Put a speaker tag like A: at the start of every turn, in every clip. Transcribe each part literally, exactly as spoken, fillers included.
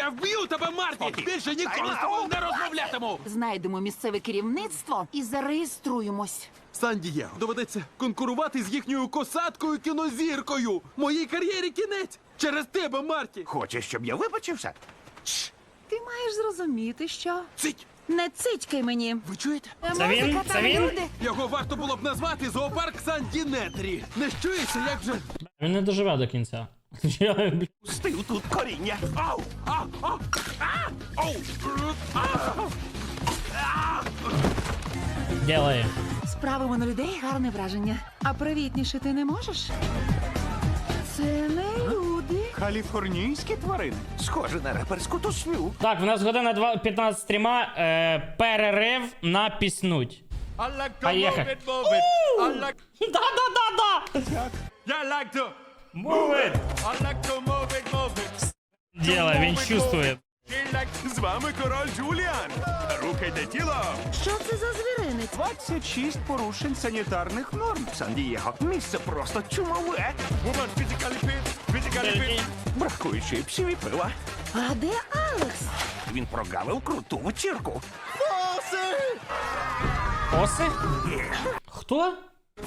A: Я вб'ю тебе, Марті! Більше ніколи з тобою не розмовлятиму!
B: Знайдемо місцеве керівництво і зареєструємось.
A: Сан-Дієго, доведеться конкурувати з їхньою косаткою кінозіркою! Моїй кар'єрі кінець! Через тебе, Марті!
C: Хочеш, щоб я вибачився?
B: Ти маєш зрозуміти, що...
A: Цить!
B: Не цицькай мені.
A: Ви чуєте?
B: Це
D: він? Це він?
A: Його варто було б назвати зоопарк Сан-Дінетрі. Не чуєшся, як же...
D: Він не доживе до кінця. Я, бля,
C: Стив тут коріння.
A: Ау! А! А! А! Оу!
D: Ділає.
B: Справимо на людей гарне враження. А привітніше ти не можеш? Це не люди.
C: Каліфорнійські тварини. Схоже на реперську тусню.
D: Так, в нас година два- п'ятнадцять стріма. Е, перерив на піснуть. Поїхали. Да-да-да-да! Move it! Діло, він чувствує.
C: З вами король Джуліан. Рухайте тіло.
B: Що це за звіринець?
C: двадцять шість порушень санітарних норм. Сан-Дієго. Місце просто чумове. Бракує чипсів і пива.
B: А де Алекс?
C: Він прогавив круту вечірку.
D: Фоси? Хто?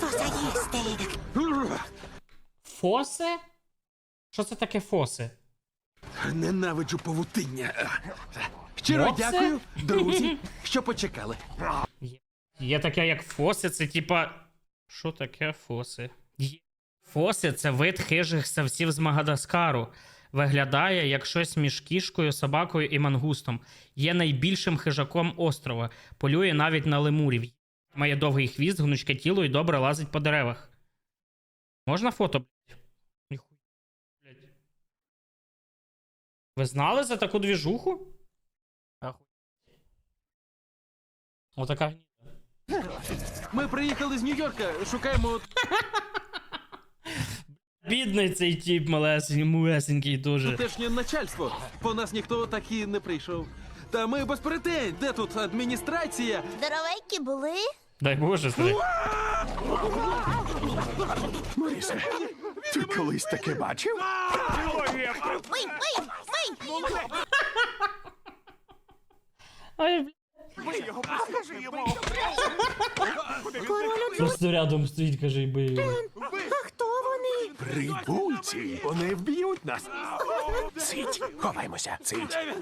D: Фоси? Що це таке фоси?
A: Ненавиджу павутиння. Щиро
D: Моце?
A: дякую, друзі, що почекали.
D: Є таке, як фоси, це типа. Що таке фоси? Є. Фоси це вид хижих савців з Мадагаскару. Виглядає як щось між кішкою, собакою і мангустом. Є найбільшим хижаком острова. Полює навіть на лемурів. Має довгий хвіст, гнучке тіло і добре лазить по деревах. Можна фото, блядь? Ніхуя, блядь. Ви знали за таку двіжуху? Ахуй. Отака гніда.
A: Ми приїхали з Нью-Йорка, шукаємо...
D: Бідний цей тип малесенький, малесенький дуже.
A: Тутешнє начальство. По нас ніхто так і не прийшов. Та ми без претензій. Де тут адміністрація?
E: Здоровенькі були?
D: Дай Боже, старий.
C: Морисе, ти колись таке бачив?
E: Мий, мий, мий!
D: Ай, бля.
C: Покажи йому.
D: Просто рядом стоїть, каже, і бий.
E: А хто вони?
C: Прибульці. Вони вб'ють нас. Цить, ховаймося. Цить.